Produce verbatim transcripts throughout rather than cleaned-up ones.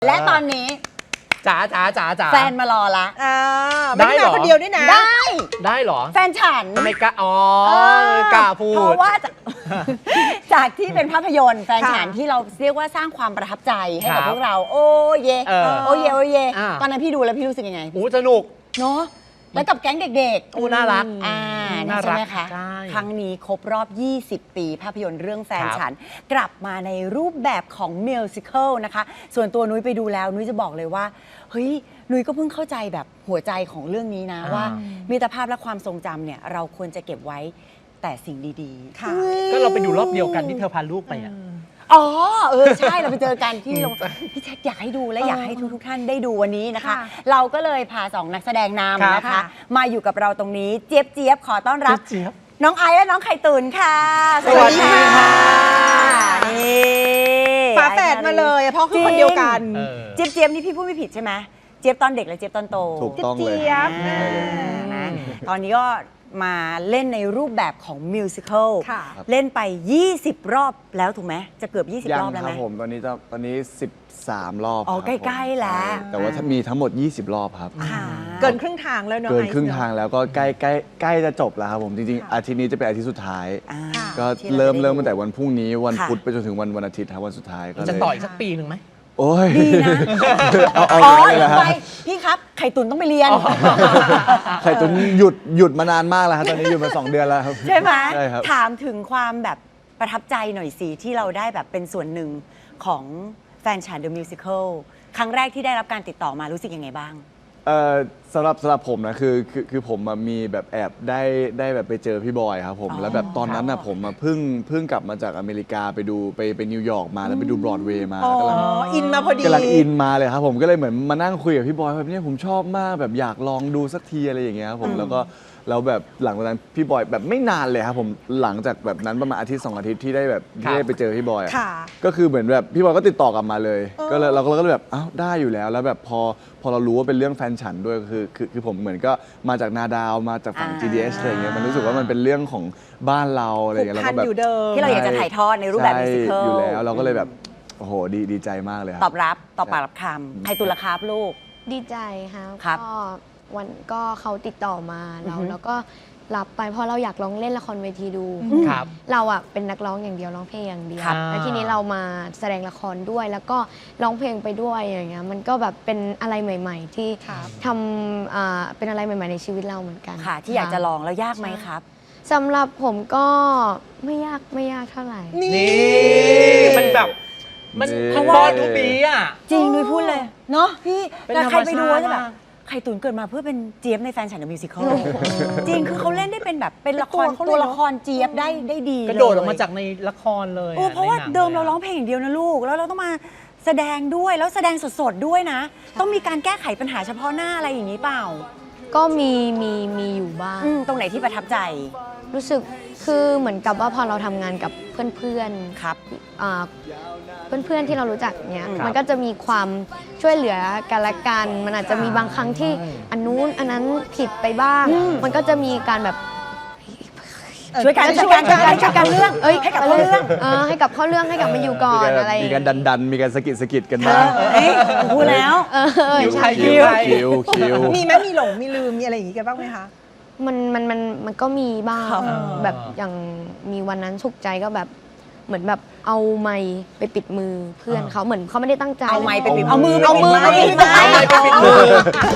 และตอนนี้จ๋าจ๋าจ๋าจ๋าแฟนมารอละอ่าไม่ได้มาคนเดียวด้วยนะได้ได้เหรอแฟนฉันไม่กล้าอ๋อกล้าพูดเพราะว่าจากจากที่เป็นภาพยนตร์แฟนฉันที่เราเรียกว่าสร้างความประทับใจให้กับพวกเราโอ้เยโอ้เยโอ้เยตอนนั้นพี่ดูแล้วพี่รู้สึกยังไงโอ้สนุกเนาะแล้วกับแก๊งเด็กๆโอ้น่ารักอ่าน่ารักใช่ไหมคะครั้งนี้ครบรอบยี่สิบปีภาพยนตร์เรื่องแฟนฉันกลับมาในรูปแบบของมิวสิคัลนะคะส่วนตัวนุ้ยไปดูแล้วนุ้ยจะบอกเลยว่าเฮ้ยนุ้ยก็เพิ่งเข้าใจแบบหัวใจของเรื่องนี้นะว่ามิตรภาพและความทรงจำเนี่ยเราควรจะเก็บไว้แต่สิ่งดีๆก็เราไปดูรอบเดียวกันที่เธอพาลูกไปอ่ะอ๋อเออใช่เราไปเจอกันที่โรงพี่แจ็คอยากให้ดูและอยากให้ทุกๆท่านได้ดูวันนี้นะคะเราก็เลยพาสองนักแสดงนำนะคะมาอยู่กับเราตรงนี้เจี๊ยบเจี๊ยบขอต้อนรับน้องไอซ์และน้องไข่ตุ๋นค่ะสวัสดีค่ะฝาแฝดมาเลยเพราะคือคนเดียวกันเจี๊ยบเจี๊ยบนี่พี่พูดไม่ผิดใช่ไหมเจี๊ยบตอนเด็กและเจี๊ยบตอนโตถูกต้องเลยตอนนี้ก็มาเล่นในรูปแบบของมิวสิคัลเล่นไปยี่สิบรอบแล้วถูกไหมจะเกือบยี่สิบรอบแล้วไหมยังครับผมตอนนี้ตอนนี้สิบสามรอบอ๋อใกล้ๆแล้วแต่ว่าถ้ามีทั้งหมดยี่สิบรอบครับเกินครึ่งทางแล้วเนาะเกินครึ่งทางแล้วก็ใกล้ใกล้ใกล้จะจบแล้วครับผมจริงๆอาทิตย์นี้จะเป็นอาทิตย์สุดท้ายก็เริ่มเริ่มตั้งแต่วันพรุ่งนี้วันพุธไปจนถึงวันวันอาทิตย์ครับวันสุดท้ายก็จะต่ออีกสักปีหนึ่งไหมโอ้ยดีนะเอาเอาเลยนะไปพี่ครับไข่ตุ๋นต้องไปเรียนไข่ตุ๋นหยุดหยุดมานานมากแล้วครับตอนนี้หยุดมาสองเดือนแล้วครับใช่ไหมใช่ครับถามถึงความแบบประทับใจหน่อยสิที่เราได้แบบเป็นส่วนหนึ่งของแฟนฉัน The Musical ครั้งแรกที่ได้รับการติดต่อมารู้สึกยังไงบ้างเอ่อสำหรับสำหรับผมนะคือคือคือผมมีแบบแอบได้ได้แบบไปเจอพี่บอยครับผมแล้วแบบตอนนั้นนะผมเพิ่งเพิ่งกลับมาจากอเมริกาไปดูไปไปนิวยอร์กมาแล้วไปดูบรอดเวย์มากำลังอินมาพอดีกำลังอินมาเลยครับผมก็เลยเหมือนมานั่งคุยกับพี่บอยแบบนี้ผมชอบมากแบบอยากลองดูสักทีอะไรอย่างเงี้ยครับผมแล้วก็แล้วแบบหลังจากนั้นพี่บอยแบบไม่นานเลยครับผมหลังจากแบบนั้นประมาณอาทิตย์สองอาทิตย์ที่ได้แบบที่ได้ไปเจอพี่บอยก็คือเหมือนแบบพี่บอยก็ติดต่อกลับมาเลยก็เลยเราก็เลยแบบอ้าวได้อยู่แล้วแล้วแบบพอพอเรารู้ว่าเป็นเรื่องแฟนฉันด้วยคือคือคือผมเหมือนก็มาจากนาดาวมาจากฝั่ง จี ดี เอส อะไรเงี้ยมันรู้สึกว่ามันเป็นเรื่องของบ้านเราอะไรเงี้ยแล้วก็แบบที่เราอยากจะถ่ายทอดในรูปแบบมิวสิคัลอยู่แล้วเราก็เลยแบบโอ้โหดีดีใจมากเลยตอบรับตอบปากรับคำใครตุลครับลูกดีใจครับก็วันก็เขาติดต่อมาเราแล้วก็รับไปเพราะเราอยากลองเล่นละครเวทีดูเราอ่ะเป็นนักร้องอย่างเดียวร้องเพลงอย่างเดียวแล้วทีนี้เรามาแสดงละครด้วยแล้วก็ร้องเพลงไปด้วยอย่างเงี้ยมันก็แบบเป็นอะไรใหม่ๆที่ทำเป็นอะไรใหม่ๆในชีวิตเราเหมือนกันค่ะที่อยากจะลองแล้วยากไหมครับสำหรับผมก็ไม่ยากไม่ยากเท่าไหร่นี่มันแบบมันเพราะว่าทุกปีอ่ะจริงนุ้ยพูดเลยเนาะพี่แล้วใครไปดูจะแบบไข่ตุ๋นเกิดมาเพื่อเป็นเจี๊ยบในแฟนฉัน The Musical จริงคือเขาเล่นได้เป็นแบบเป็นละครตัวละครเจี๊ยบได้ได้ดีกระโดดออกมาจากในละครเลยเพราะว่าเดิมเราร้องเพลงอย่างเดียวนะลูกแล้วเราต้องมาแสดงด้วยแล้วแสดงสดๆด้วยนะต้องมีการแก้ไขปัญหาเฉพาะหน้าอะไรอย่างนี้เปล่าก็มีมีมีอยู่บ้างตรงไหนที่ประทับใจรู้สึกคือเหมือนกับว่าพอเราทำงานกับเพื่อนๆครับเพื่อนๆที่เรารู้จักเนี่ยมันก็จะมีความช่วยเหลือกันและกันมันอาจจะมีบางครั้งที่อันนู้นอันนั้นผิดไปบ้างมันก็จะมีการแบบช่วยกันช่วยกันช่วยกันช่วยกันเรื่องให้กับเขาเรื่องให้กับเขาเรื่องให้กับมาอยู่ก่อนอะไรมีการดันดันมีการสกิดสกิดกันบ้างพูดแล้วคิวคิวคิวมีไหมมีหลงมีลืมมีอะไรอย่างงี้กันบ้างไหมคะมันมันมันมันก็มีบ้างแบบอย่างมีวันนั้นฉุกใจก็แบบเหมือนแบบเอาไม้ไปปิดมือเพื่อนเขาเหมือนเขาไม่ได้ตั้งใจเอาไม้ไปปิดเอามือเอามือไปปิดไม้ไปปิดมือ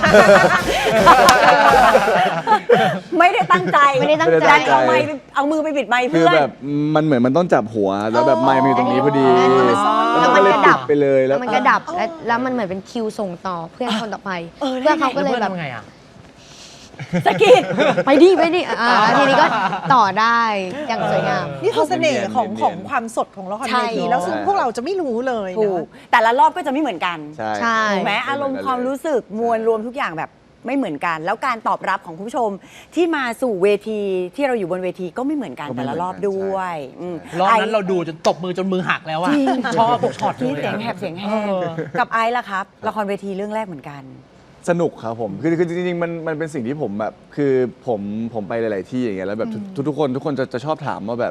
ไม่ได้ตั้งใจไม่ได้ตั้งใจเอาไม้เอามือไปปิดไม้เพื่อนคือแบบมันเหมือนมันต้องจับหัวแล้วแบบไม้มันอยู่ตรงนี้พอดีแล้วมันก็ดับไปเลยแล้วมันก็ดับแล้วมันเหมือนเป็นคิวส่งต่อเพื่อนคนต่อไปเพื่อนเขาก็เลยแบบสกิดไปดิไปดิอ่าทีนี้ก็ต่อได้อย่างสวยงามนี่คือเสน่ห์ของของความสดของละครเวทีแล้วซึ่งพวกเราจะไม่รู้เลยนะแต่ละรอบก็จะไม่เหมือนกันใช่ถูกไหมอารมณ์ความรู้สึกมวลรวมทุกอย่างแบบไม่เหมือนกันแล้วการตอบรับของคุณผู้ชมที่มาสู่เวทีที่เราอยู่บนเวทีก็ไม่เหมือนกันแต่ละรอบด้วยรอบนั้นเราดูจนตบมือจนมือหักแล้วอะชอบทุกช็อตที่เสียงแหบเสียงแห้งกับไอซ์ล่ะครับละครเวทีเรื่องแรกเหมือนกันสนุกครับผมคือคือจริงๆมันมันเป็นสิ่งที่ผมแบบคือผมผมไปหลายๆที่อย่างเงี้ยแล้วแบบทุกทุกคนทุกคนจะจะชอบถามว่าแบบ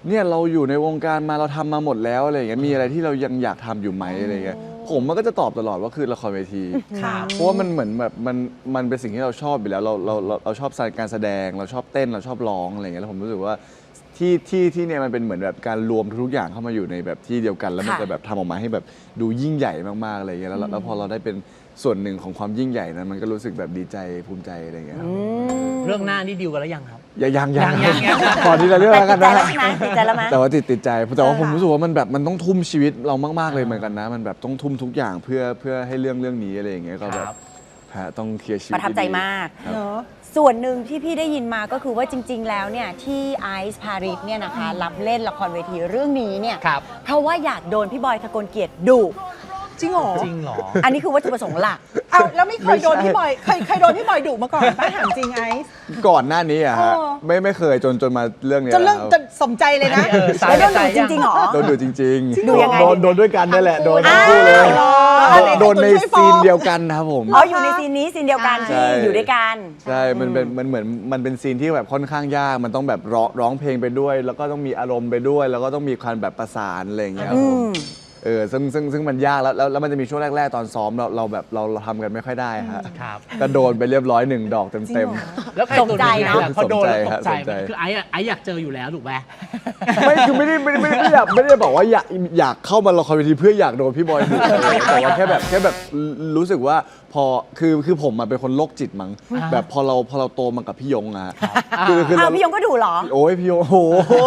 เนี่ยเราอยู่ในวงการมาเราทำมาหมดแล้วอะไรอย่างเงี้ยมีอะไรที่เรายังอยากทำอยู่ไหมอะไรเงี้ยผมมันก็จะตอบตลอดว่าคือละครเวทีครับเพราะว่ามันเหมือนแบบมันมันเป็นสิ่งที่เราชอบอยู่แล้วเราเราเราเราชอบการแสดงเราชอบเต้นเราชอบร้องอะไรเงี้ยแล้วผมรู้สึกว่าที่ที่ที่เนี่ยมันเป็นเหมือนแบบการรวมทุกอย่างเข้ามาอยู่ในแบบที่เดียวกัน แล้วมันค่ะจะแบบทำออกมาให้แบบดูยิ่งใหญ่มากๆอะไรเงี้ยแล้วแล้วพอเราได้เป็นส่วนหนึ่งของความยิ่งใหญ่นั้นมันก็รู้สึกแบบดีใจภูมิใจอะไรเงี้ยครับเรื่องหน้านี่ดิวกันแล้วยังครับยังยังยังยังยังขอทีละเรื่องแต่แล้วกันติดใจนะแล้วใช่ไหมติดใจแล้วไหมแต่ว่าติดติดใจแต่ว่าผมเออรู้สึกว่ามันแบบมันต้องทุ่มชีวิตเรามากๆเลยเหมือนกันนะ มันแบบต้องทุ่มทุกอย่างเพื่อเพื่อให้เรื่องเรื่องนี้อะไรอย่างเงี้ยก็แบบครับฮะต้องเคลียร์ชีวิตประทับใจมากครับเนอะส่วนหนึ่งที่พี่ได้ยินมาก็คือว่าจริง ๆ แล้วเนี่ยที่ไอซ์พาริสเนี่ยนะคะรับเล่นละครเวทีเรื่องนี้เนี่ยครับเพราะว่าอยากโดนพี่บอยทะกลเกียรติดุจริงเหรอจริงเหรออันนี้คือวัตถุประสงค์หลักเอาแล้วไม่เคยโดนไม่ใช่พี่บอยเคยเคยโดนพี่บอยดุมาก่อนป้าถามจริงไอซ์ก่อนหน้านี้อะฮะเออไม่ไม่เคยจนจนมาเรื่องเนี้ยจนเรื่องครับจนสมใจเลยนะเออสาแล้วโดนใจดุจริงๆเหรอโดนดูจริงๆดูยังไงโดนโดนด้วยกันนั่นแหละโดนทั้งอ้าวคู่เลยเหรอโดนในไหนใครตัวช่วยฟ้ซีองนเดียวกันนะครับผมอ๋ออยู่ในซีนนี้ซีนเดียวกันใช่ที่อยู่ด้วยกันใช่มันเป็นมันเหมือนมันเป็นซีนที่แบบค่อนข้างยากมันต้องแบบร้องร้องเพลงไปด้วย แล้วก็ต้องมีอารมณ์ไปด้วย แล้วก็ต้องมีความแบบประสานอะไรอย่างเงี้ยครับอืผมมเออซึ่งซึ่งซึ่งมันยากแล้วแล้วแล้วมันจะมีช่วงแรก ๆ ตอนซ้อมเราเราแบบเราเราทำกันไม่ค่อยได้ฮะครับก็โดนไปเรียบร้อยหนึ่งดอกจริเต็งมเหรอแล้วใครตกใจตัวเนอะล่พอโดนแล้วตกใจสนใจไหมคือไอ้อะไอ้อยากเจออยู่แล้วถูกไหมๆไม่คือไม่ได้ไม่ได้ไม่ได้ไม่ได้ไม่ได้บอกว่าอยากอยากเข้ามาละครเวทีเพื่ออยากโดนพี่บอยดุแต่ว่าแค่แบบแค่แบบรู้สึกว่าพอคือคือผมอะเป็นคนโรคจิตมั้งอ่าแบบพอเราพอเราโตมากับพี่ยงอะฮะคือคืออ้าวเราพี่ยงก็ดุเหรอโอ้ยพี่ยงโอ้โห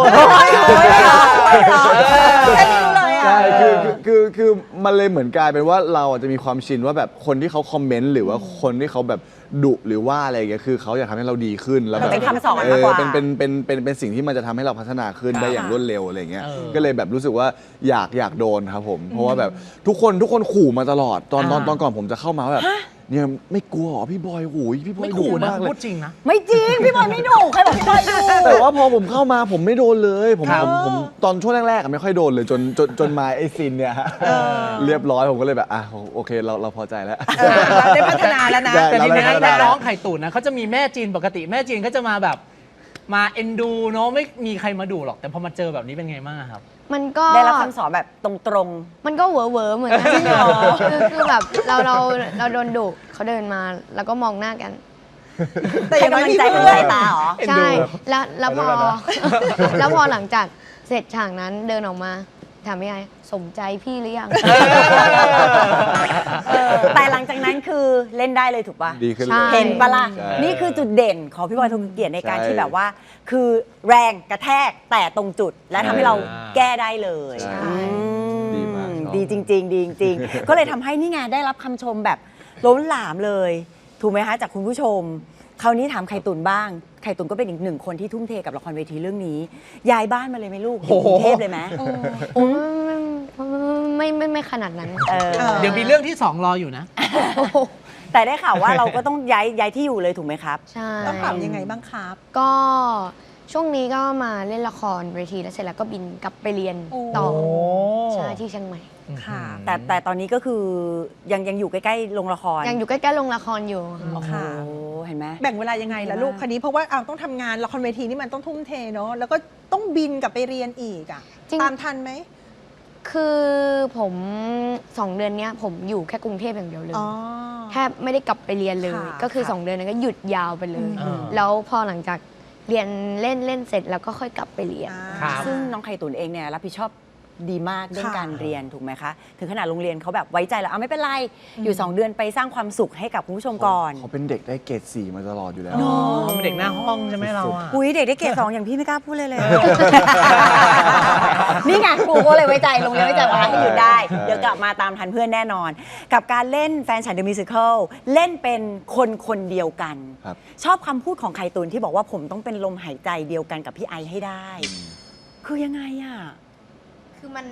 แค่นี้รู้เลยอ่ะใช่คือคือคือคือมันเลยเหมือนกลายเป็นว่าเราอาจจะมีความชินว่าแบบคนที่เขาคอมเมนต์หรือว่าคนที่เขาแบบดุหรือว่าอะไรอย่างเงี้ยคือเขาอยากทำให้เราดีขึ้นแล้วแบบเป็นคำสอนเอมากอกว่าเป็นเป็นเป็นเป็นเป็นสิ่งที่มันจะทำให้เราพัฒนาขึ้นได้อย่างรวดเร็วอะไรอย่างเงี้ยเออก็เลยแบบรู้สึกว่าอยากอยากโดนครับผม เพราะว่าแบบทุกคนทุกคนขู่มาตลอดตอนตอนอ่าตอนก่อนผมจะเข้ามาว่าแบบเนี่ยไม่กลัวเหรอพี่บอยโอ้ยพี่บอไม่ยดุขู่นะมากเลยพูดจริงนะไม่จริง พี่บอยไม่ดุใครบอกพี่บอยดุแต่ว่าพอผมเข้ามาผมไม่โดนเลยผมครับผมผมตอนช่วงแรกๆอะไม่ค่อยโดนเลยจนจนจนมาไอซินเนี่ยฮะเรียบร้อยผมก็เลยแบบอ่ะโอเคเราเราพอใจแล้วเออเราได้พัฒนาแล้วนะได้แต่ทีนี้เรานัได้กร้องไข่ตุ๋นนะเขาจะมีแม่จีนปกติแม่จีนก็จะมาแบบมาเอ็นดูเนาะไม่มีใครมาดูหรอกแต่พอมาเจอแบบนี้เป็นไงบ้างครับมันก็ได้รับคำสอนแบบตรงมันก็เหวอเหวอๆเหมือนกันคือคือแบบเราเราเราโดนดุเขาเดินมาแล้วก็มองหน้ากันๆแต่อให้ย่างน้อยกำลังมีใจเพื่เป็นอนสายตาเหรอเอ็นดูใช่แล้วแล้วพอขอโทษนะแล้วพอหลังจากเสร็จฉากนั้นเดินออกมาถามพี่ไอสมใจพี่หรือยังเออแต่หลังจากนั้นคือเล่นได้เลยถูกป่ะดีขึ้นเลใช่ยเห็นปะล่ะใช่นี่คือจุดเด่นของพี่บอยทงเกียรติในการใช่ที่แบบว่า คือแรงกระแทกแต่ตรงจุดและทำให้เราอ่าแก้ได้เลยใช่อืมดีมากชอบดีจริง ๆ ดีจริง ๆ ก็เลยทำให้นี่ไงได้รับคำชมแบบล้นหลามเลย ถูกไหมคะจากคุณผู้ชม คราวนี้ถามไข่ตุนบ้าง ไข่ตุนก็เป็นอีกหนึ่งคนที่ทุ่มเทกับละครเวทีเรื่องนี้ ย้ายบ้านมาเลยไหมลูกอยู่กรุงเทพเลยไหมโอ้ไม่ไม่ไม่ไม่ขนาดนั้นเออเดี๋ยวมีเรื่องที่สองรออยู่นะแต่ได้ข่าวว่าเราก็ต้องย้ายย้ายที่อยู่เลยถูกไหมครับใช่ต้องปรับยังไงบ้างครับก็ช่วงนี้ก็มาเล่นละครเวทีแล้วเสร็จแล้วก็บินกลับไปเรียนต่อโอ้ใช่ที่เชียงใหม่ค่ะแต่แต่ตอนนี้ก็คือยังยังอยู่ใกล้ๆโรงละครยังอยู่ใกล้ๆโรงละครอยู่ค่ะโอ้โหค่ะเห็นไหมแบ่งเวลายังไงล่ะลูกคันนี้เพราะว่าเอาต้องทำงานละครเวทีนี่มันต้องทุ่มเทเนาะแล้วก็ต้องบินกลับไปเรียนอีกอ่ะจริงตามทันไหมคือผมสองเดือนเนี้ยผมอยู่แค่กรุงเทพอย่างเดียวเลยอ๋อแทบไม่ได้กลับไปเรียนเลยค่ะก็คือค่ะสองเดือนนั้นก็หยุดยาวไปเลยอืมแล้วพอหลังจากเรียนเล่นเล่นเสร็จแล้วก็ค่อยกลับไปเรียนครับซึ่งน้องไข่ตุ๋นเองเนี่ยรับผิดชอบดีมากเรื่องค่ะการเรียนถูกไหมคะ ถึงขนาดโรงเรียนเขาแบบไว้ใจแล้วเอาไม่เป็นไร อยู่ สอง เดือนไปสร้างความสุขให้กับคุณผู้ชมก่อนเขาเป็นเด็กได้เกรดสี่มาตลอดอยู่แล้วอ๋อเป็นเด็กหน้าห้องใช่ไหมเราอ่ะอุ้ยเด็กได้เกรดสองอย่างพี่ไม่กล้าพูดเลยเลย นี่ไงครูก็เลยไว้ใจโรงเรียนไว้ใจว่าให้หยุดได้ใช่เดี๋ยวกลับมาตามทันเพื่อนแน่นอน กับการเล่นแฟนฉันเดอะมิวสิคลเล่นเป็นคนคนเดียวกันครับชอบคำพูดของไข่ตุนที่บอกว่าผมต้องเป็นลมหายใจเดียวกันกับพี่ไอให้ได้ คือยังไงอ่ะคือมัน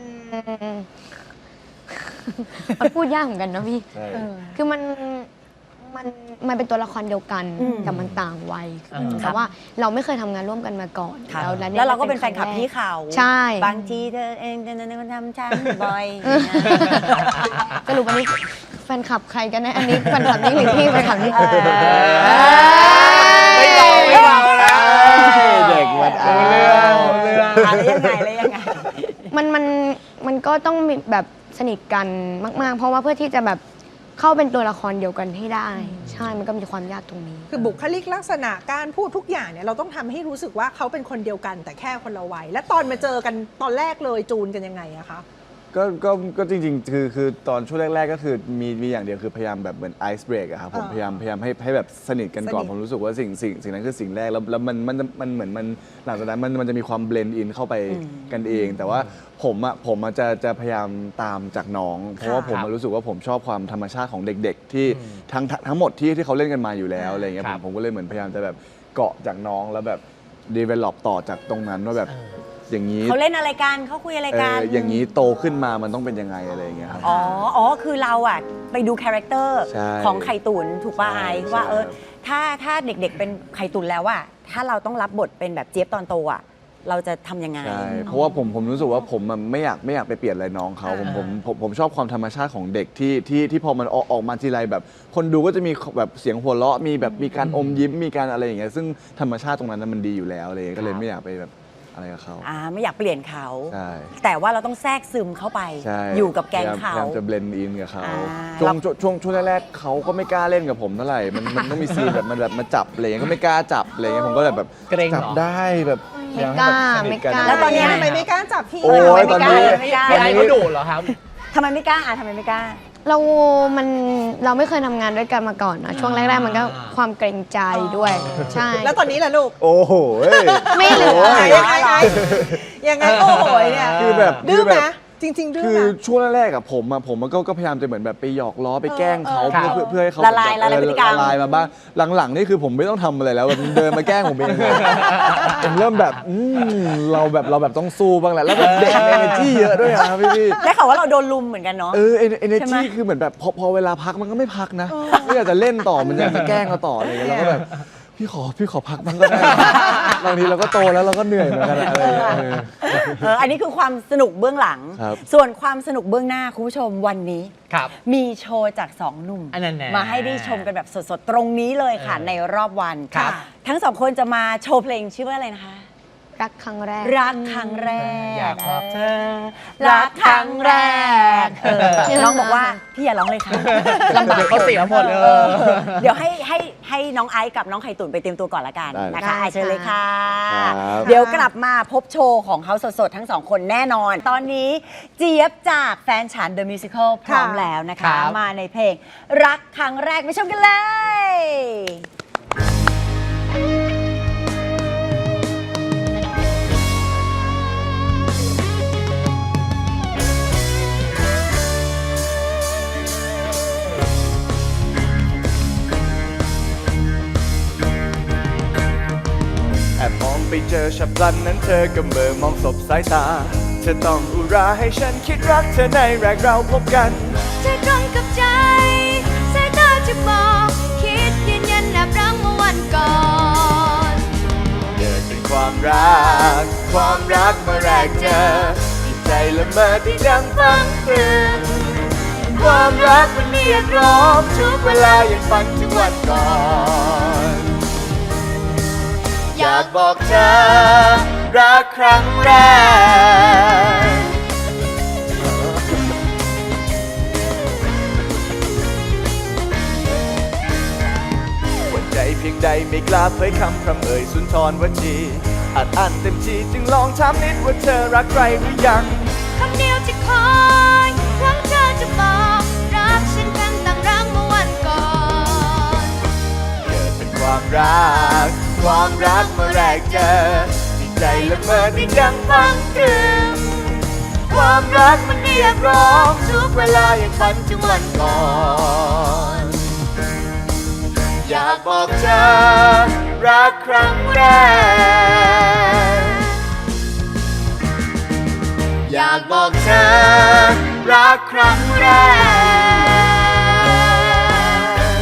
มันพูดยากเหมือนกันเนอะพี่ใช่คือมันมันมันเป็นตัวละครเดียวกันอืมแต่มันต่างวัยอืมแต่ว่าเราไม่เคยทำงานร่วมกันมาก่อนครับแล้วยแล้วเราก็เป็นแฟนคลับพี่เขาใช่บางทีเธอเองจะนึกว่าทำฉันบ่อยสรุปวันนี้แฟนคลับใครกันแน่อันนี้แฟนคลับนี่หรือพี่แฟนคลับนี่เออไม่ลองไม่ลองนะเด็กมมันเออ้าอวเรื่องอะไรยังไงอะไรยังไงมันมันมันก็ต้องมีแบบสนิทกันมาก ๆ เพราะว่าเพื่อที่จะแบบเข้าเป็นตัวละครเดียวกันให้ได้ ใช่มันก็มีความยากตรงนี้คือบุคลิกลักษณะการพูดทุกอย่างเนี่ยเราต้องทำให้รู้สึกว่าเขาเป็นคนเดียวกันแต่แค่คนละวัยและตอนมาเจอกันตอนแรกเลยจูนกันยังไงอะคะก็ก็ก็จริงๆ คือคือตอนช่วงแรก ๆ ก็คือมีมีอย่างเดียวคือพยายามแบบเหมือนไอซ์เบรกอะครับผมอ่าพยายามพยายามให้ให้แบบสนิทกันก่อนสนิทผมรู้สึกว่าสิ่งสิ่งสิ่งนั้นคือสิ่งแรกแล้วแล้วมันมันมันเหมือนมันหลังจากนั้นมันมันจะมีความเบลนด์อินเข้าไปกันเอง แต่ว่าผมอะผมอะจะจะพยายามตามจากน้อง เพราะว่าผมอะรู้สึกว่าผมชอบความธรรมชาติของเด็ก ๆ ที่ทั้งทั้งทั้งหมดที่ที่เขาเล่นกันมาอยู่แล้วอะไรเงี้ยคผรัมบผมก็เลยเหมือนพยายามจะแบบเกาะจากน้องแล้วแบบ develop ต่อจากตรงนั้นว่าแบบอย่างนี้เขาเล่นอะไรกันเขาคุยอะไรเอกันออย่างนี้โตขึ้นมามันต้องเป็นยังไงอะไรอย่างเงี้ยครับอ๋อ อ๋อ คือเราอะไปดูคาแรคเตอร์ใช่ของไข่ตุ๋นถูกป่ะใช่ไอว่าเออใช่ถ้าถ้าเด็กๆเป็นไข่ตุ๋นแล้วอะถ้าเราต้องรับบทเป็นแบบเจี๊ยบตอนโตอะเราจะทำยังไงใช่ เพราะว่าผมผมรู้สึกว่าผมมันไม่อยากไม่อยากไปเปลี่ยนอะไรน้องเขาผมผมผมผมชอบความธรรมชาติของเด็กที่ที่ที่พอมันออกออกมาทีไรแบบ คนดูก็จะมีแบบเสียงหัวเราะมีแบบมีการอมยิ้มมีการอะไรอย่างเงี้ยซึ่งธรรมชาติตรงนั้นนะมันดีอยู่แล้วอะไรอย่างเลยก็เลยไม่อยากไปแบบอะไรกับเขาอ่า ไม่อยากเปลี่ยนเขาใช่แต่ว่าเราต้องแทรกซึมเข้าไปใช่อยู่กับแก๊งพเขายายามจะเบลนด์อินกับเขาอ่าช่วงช่วงช่วงช่วงแรกๆเขาก็ไม่กล้าเล่นกับผมเท่าไหร่มันมันต้องมีซีนแบบมันแบบมาจับอะไรเงี้ยก็ไม่กล้าจับอะไรเงี้ยผมก็เลยแบบเกรงเหรอจับได้แบบไม่อยให้กล้าแบบสนิทนไม่กล้าแล้วตอนเนี้ยทำไมไม่กล้าจับพี่โอ้ยทำไมไม่กล้าตอนนี้ไม่กล้าพี่ไอ้เขาดุเหรอครับทำไมไม่กล้าอ่ะทำไมไม่กล้าเรามันเราไม่เคยทำงานด้วยกันมาก่อนนะช่วงแรก ๆ มันก็ความเกรงใจด้วย ใช่แล้วตอนนี้ล่ะลูกโอ้โหเอ้ยไม่เหลือโอ้ยยังไงไงยังไงโอ้โหเนี่ยคือแบบดื้อคือไหมแบบจริง ๆ ดื้อคืไหอมช่วงแรกๆอะผมอะผมก็ก็พยายามจะเหมือนแบบไปหยอกล้อไปแกล้งเขาครับเพื่อเพื่อให้เขาละลายแบบละลายพฤติกรรมละลายมาบ้างหลังๆนี่คือผมไม่ต้องทำอะไรแล้วมันเดินมาแกล้งผมเองเลยผมเริ่มแบบอืมเราแบบเราแบบต้องสู้บ้างแหละแล้วแบบเด็กเอเนจีเยอะด้วยอะพี่พี่ได้ข่าวว่าเราโดนลุมเหมือนกันเนาะเออเอเนใช่ไหมจีคือเหมือนแบบพอพอเวลาพักมันก็ไม่พักนะไม่อยากจะเล่นต่อมันอยากจะแกล้งเราต่ออะไรอย่างเงี้ยเราก็แบบพี่ขอพี่ขอพักบ้างก็ได้บางทีเราก็โตแล้วเราก็เหนื่อยเหมือนกันอะอะไรอย่างเงี้ยเออเออ อันนี้คือความสนุกเบื้องหลังครับส่วนความสนุกเบื้องหน้าคุณผู้ชมวันนี้ครับมีโชว์จากสองหนุ่มอันนั้นแน่มาให้ได้ชมกันแบบสดๆ ตรงนี้เลยค่ะเออในรอบวันครับทั้งสองคนจะมาโชว์เพลงชื่อว่าอะไรนะคะรักครั้งแรกรักครั้งแรกอยากบอกเธอรักครั้งแรกเออน้องบอกว่าพี่อย่าร้องเลยค่ะลำบากเขาเสียหมดเลเออย เดี๋ยวให้ให้ให้น้องไอซ์กับน้องไข่ตุ๋นไปเตรียมตัวก่อนละกันได้นะคะได้ไอซ์เชิญเลยค่ะครับเดี๋ยวกลับมาพบโชว์ของเขาสดๆ ทั้งสองคนแน่นอน ตอนนี้เจี๊ยบจากแฟนฉัน The Musical พร้อมแล้วนะครัคะบมาในเพลงรักครั้งแรกไปชมกันเลยแอบมองไปเจอฉับพลันนั้นเธอก็เมื่อมองสบสายตา เธอต้องอุราให้ฉันคิดรักเธอในแรกเราพบกันใจตรงกับใจสายตาจะบอกคิดยืนยันแอบรักเมื่อวันก่อนเกิดเป็นความรัก ความรักเมื่อแรกเจอจิตใจละเมอที่ดังฟังตรึงความรักมันเรียกร้องทุกเวลายังฝันถึงวันก่อน อยากบอกเธอรักครั้งแรก หัวใจเพียงใดไม่กล้าเผยคำพร่ำเอ่ยสุนทรวจีอัดอั้นเต็มทีจึงลองถามนิดว่าเธอรักใครหรือยังคำเดียวที่คอยหวังเธอจะบอกรักฉันทั้งตั้งรักเมื่อวันก่อนเกิดเป็นความรัก ความรักเมื่อแรกเจอจิตใจละเมอที่ดังฟังตรึงความรักมันเรียกร้องทุกเวลายังฝันถึงวันก่อน อยากบอกเธอรักครั้งแรก อยากบอกเธอรักครั้งแรก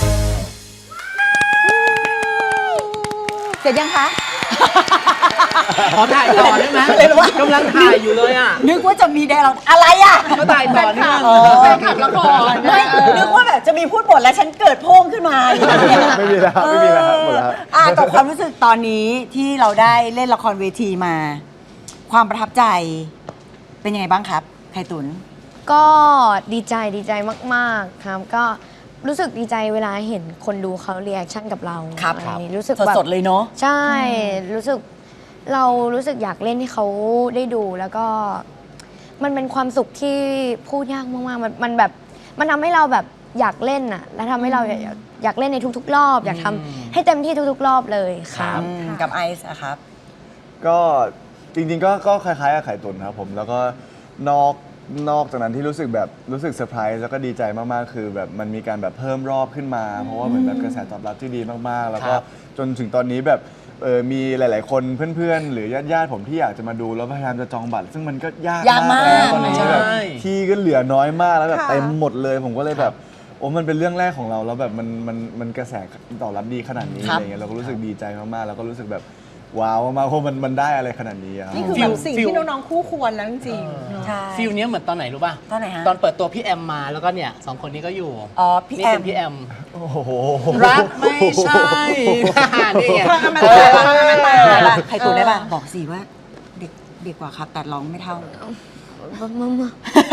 เสร็จยังคะขอถ่ายต่อได้ไหมเลยว่ากำลังถ่ายอยู่เลยอ่ะนึกว่าจะมีไดร์เราอะไรอ่ะก็ถ่ายต่อนี่มันแฟนคลับละครไม่นึกว่าแบบจะมีพูดบทแล้วฉันเกิดโพ่งขึ้นมาอย่างเงี้ยไม่มีแล้วครับไม่มีแล้วครับหมดแล้วครับอ่ะกับความรู้สึกตอนนี้ที่เราได้เล่นละครเวทีมา ความประทับใจเป็นยังไงบ้างครับไข่ตุนก็ดีใจดีใจมากๆครับ ก็รู้สึกดีใจเวลาเห็นคนดูเขาเรีแอคชั่นกับเราครับอะครับไอย่างงี้รู้สึกแบบสดๆเลยเนาะใช่ รู้สึกเรารู้สึกอยากเล่นให้เขาได้ดูแล้วก็มันเป็นความสุขที่พูดยากมากๆมันมันแบบมันทำให้เราแบบอยากเล่นอ่ะ และทำให้เราอยากอยากเล่นในทุก ๆ รอบ อยากทำให้เต็มที่ทุก ๆ รอบเลยครับอืมกับไอซ์อะครับก็จริงๆก็ก็คล้ายๆกับไข่ตุนครับผมแล้วก็นอกนอกจากนั้นที่รู้สึกแบบรู้สึกเซอร์ไพรส์แล้วก็ดีใจมากๆคือแบบมันมีการแบบเพิ่มรอบขึ้นมา เพราะว่าเหมือนแบบกระแสตอบรับที่ดีมากๆ แล้วก็ครับจนถึงตอนนี้แบบเออมีหลาย ๆ คนเพื่อนๆ หรือญาติๆผมที่อยากจะมาดูแล้วพยายามจะจองบัตร ซึ่งมันก็ยากยากมากแล้วตอนนี้ใช่แบบที่ก็เหลือน้อยมากแล้วแบบค่ะเต็มหมดเลย ผมก็เลยแบบโอ้มันเป็นเรื่องแรกของเราแล้วแบบมันมันมันกระแสตอบรับดีขนาดนี้ครับอะไรเงี้ยเราก็รู้สึกดีใจมากๆแล้วก็รู้สึกแบบว้าวมากๆเพราะมันมันได้อะไรขนาดนี้อะนี่คือฟิแบลบสิ่งฟิลที่น้องๆคู่ควรแล้วจริงๆเนอะใช่ฟิลเนี้ยเหมือนตอนไหนรู้ป่ะตอนไหนฮะตอนเปิดตัวพี่แอมมาแล้วก็เนี่ยสองคนนี้ก็อยู่อ๋อพี่นี่แอเป็มนพี่แอมโอ้โหรักไม่ใช่นี่ไงพลังอมตะเออพลังอมตะได้ปะไข่ตุนได้ปะบอกสิว่าเด็กเด็กกว่าครับ แต่ร้องไม่เท่ามามา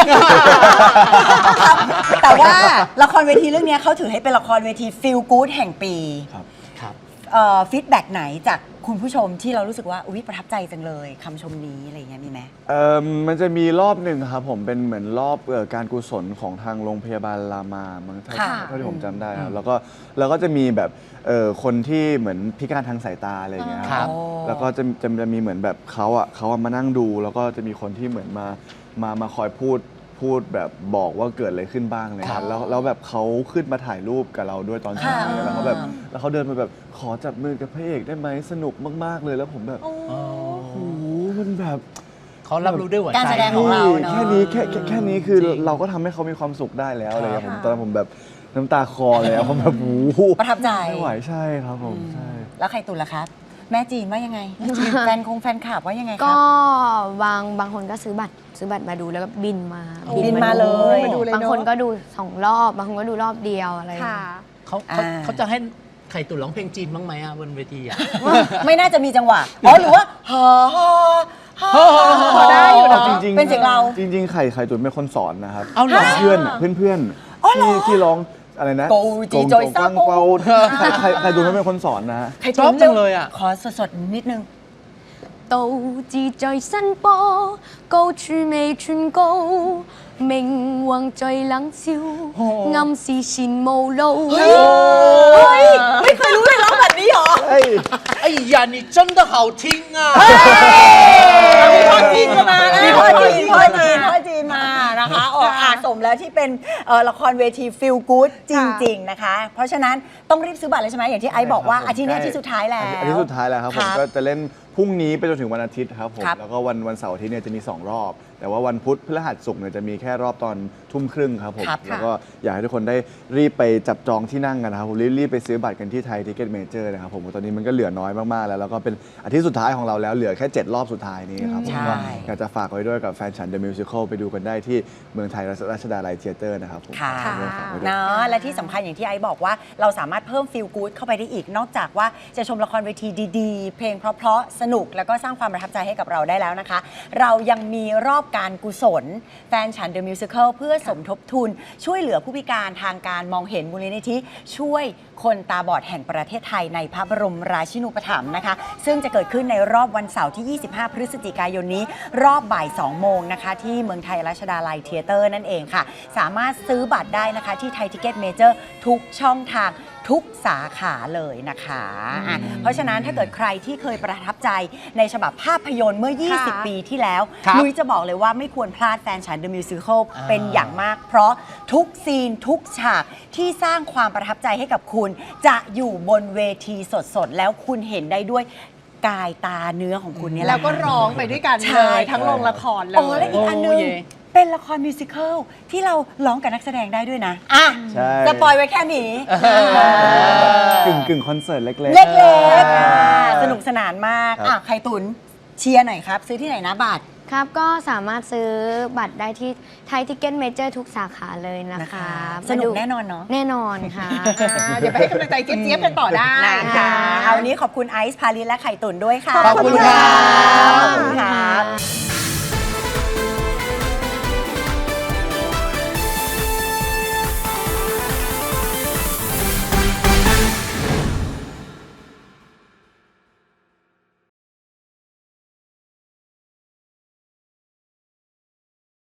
แต่ว่าละครเวทีเรื่องนี้เขาถือให้เป็นละครเวทีฟีลกู๊ดแห่งปีครับครับฟีดแบ็กไหนจากคุณผู้ชมที่เรารู้สึกว่าอุ๊ยประทับใจจังเลยคำชมนี้อะไรอย่างเงี้ยมีไหมเอ่อมันจะมีรอบหนึ่งครับผมเป็นเหมือนรอบเอ่อการกุศลของทางโรงพยาบาลรามามั้งเท่าค่ะเท่าที่ผมจำได้ครับแล้วก็แล้วก็จะมีแบบเอ่อคนที่เหมือนพิการทางสายตาอะไรอย่างเงี้ยครับแล้วก็จะจะจะมีเหมือนแบบเขาอ่ะเขาอะมานั่งดู แล้วก็จะมีคนที่เหมือนมามามาคอยพูดพูดแบบบอกว่าเกิดอะไรขึ้นบ้างเลยครับแล้วแล้วแบบเขาขึ้นมาถ่ายรูปกับเราด้วยตอนเช้าค่ะแล้วเขาแบบแล้วเขาเดินมาแบบขอจับมือกับพระเอกได้ไหมสนุกมากๆเลยแล้วผมแบบโอ้โหมันแบบเขารับรู้ด้วยหัวใจการแสดงของเราเนอะแค่นี้แค่แค่แค่นี้คือจริงเราก็ทำให้เขามีความสุขได้แล้วอะไรอย่างเงี้ยค่ะผมตอนนั้นผมแบบน้ำตาคลอเลยอะผมแบบโอ้โหประทับใจไม่ไหวใช่ครับผมใช่แล้วไข่ตุนล่ะครับ แม่จีนว่ายังไง แฟนคงแฟนคลับว่ายังไงคก็รับบางบางคนก็ซื้อบัตรซื้อบัตรมาดูแล้วก็บินมาบินมาเลยมาดูเลยเนอะบางคนก็ดูสองรอบ บางคนก็ดูรอบเดียวอะไรอย่างค่ะเงี้ยเขาเขาอ่าเขาจะให้ไข่ตุ๋นร้องเพลงจีนบ้างไหมอ่ะบนเวทีอ่ะไม่น่าจะมีจังหวะอ๋อหรือว่าฮาฮาฮาพอได้อยู่เนอะจริงๆเป็นเสียงเราจริง ๆ ไข่ไข่ตุ๋นเป็นคนสอนนะครับเอาเหรอเพื่อนอะเพื่อนเพื่อนๆอ๋อเหรอที่ที่ร้องอะไรนะโกจีจอยโกงซ่าโกงเปาไข่ไข่ไข่ตุ๋นเป็นคนสอนนะไข่ชอบจังเลยอะขอสดๆนิดนึง道志在新波，高處未寸高，命運在冷笑，暗示前無路。 เฮ้ย ไม่เคยรู้เลยร้องแบบนี้เหรอเฮ้ยไอ้ยานี่真的好听啊มีพ่อจีนมาแล้วมีพ่อจีนพ่อจีนพ่อจีนมานะคะออกอาสมแล้วที่เป็นเอ่อละครเวทีฟิลกู๊ดจริง ๆ นะคะ เพราะฉะนั้นต้องรีบซื้อบัตรเลยใช่ไหมอย่างที่ไอซ์บอกว่าอาทิตย์นี้อาทิตย์สุดท้ายแล้วอาทิตย์สุดท้ายแล้วครับผมก็จะเล่นพรุ่งนี้ไปจนถึงวันอาทิตย์ครับผมครับแล้วก็วันวันเสาร์อาทิตย์เนี่ยจะมีสองรอบ แต่ว่าวันพุธพฤหัสศุกร์เนี่ยจะมีแค่รอบตอนทุ่มครึ่งครับผมครับแล้วก็อยากให้ทุกคนได้รีบไปจับจองที่นั่งกันนะครับผมรีบรีบไปซื้อบัตรกันที่ไทยทิเก็ตเมเจอร์นะครับผมตอนนี้มันก็เหลือน้อยมากๆแล้วแล้วก็เป็นอาทิตย์สุดท้ายของเราแล้วเหลือแค่เจ็ดรอบสุดท้ายนี้ครับผมใช่ก็อยากจะฝากไว้ด้วยกับแฟนฉัน The Musical ไปดูกันได้ที่เมืองไทยรัชดาลัยเธียเตอร์นะครับผมค่ะฝากไว้ฝากไว้ด้วยเนาะและที่สำคัญอย่างที่ไอซ์บอกว่าเราสามารถเพิ่มฟิลกู๊ดเข้าไปได้อีก นอกจากว่าจะชมละครเวทีดีๆ เพลงเพราะๆสนุกแล้วก็สร้างความประทับใจให้กับเราได้แล้วนะคะ เรายังมีรอบการกุศลแฟนฉัน The Musical เพื่อสมทบทุน ช่วยเหลือผู้พิการทางการมองเห็นมูลนิธิช่วยคนตาบอดแห่งประเทศไทยในพระบรมราชินูปถัมภ์นะคะ ซึ่งจะเกิดขึ้นในรอบวันเสาร์ที่ ยี่สิบห้า พฤศจิกายนนี้ รอบบ่าย สอง โมงนะคะ ที่เมืองไทยรัชดาลัยเธียเตอร์นั่นเองค่ะ สามารถซื้อบัตรได้นะคะที่ไทยทิเก็ตเมเจอร์ทุกช่องทางทุกสาขาเลยนะคะอ่ะเพราะฉะนั้นถ้าเกิดใครที่เคยประทับใจในฉบับภาพยนตร์เมื่อ ยี่สิบค่ะปีที่แล้วครับนุ้ยจะบอกเลยว่าไม่ควรพลาดแฟนฉัน The Musical อ่าเป็นอย่างมาก เพราะทุกซีนทุกฉากที่สร้างความประทับใจให้กับคุณ จะอยู่บนเวทีสดๆ แล้วคุณเห็นได้ด้วยกายตาเนื้อของคุณเนี่ยหะแล้วก็ร้องไปด้วยกันใช่เลยทั้งโรงละครเลยอ๋อและอีกอันหนึงโอ้เย่เป็นละครมิวสิควลที่เราร้องกับนักแสดงได้ด้วยนะอ่ะใช่สปอยไว้แค่นี้กึ่งกึ่งคอนเสิร์ตเล็กๆเล็กๆอ่ะสนุกสนานมากครับอ่ะไข่ตุนเชียร์หน่อยครับ ซื้อที่ไหนนะบัตรครับก็สามารถซื้อบัตรได้ที่ไทยทิกเก็ตเมเจอร์ทุกสาขาเลยนะนะคะคะสนุกมาดูแน่นอนเนาะแน่นอนค่ะอ่าเดี๋ยวไปให้กำลังใจเจี๊ยบๆกันต่อได้นะคะ เอาวันนี้ขอบคุณไอซ์พาลินและไข่ตุ๋นด้วยค่ะขอบคุณครับขอบคุณครับ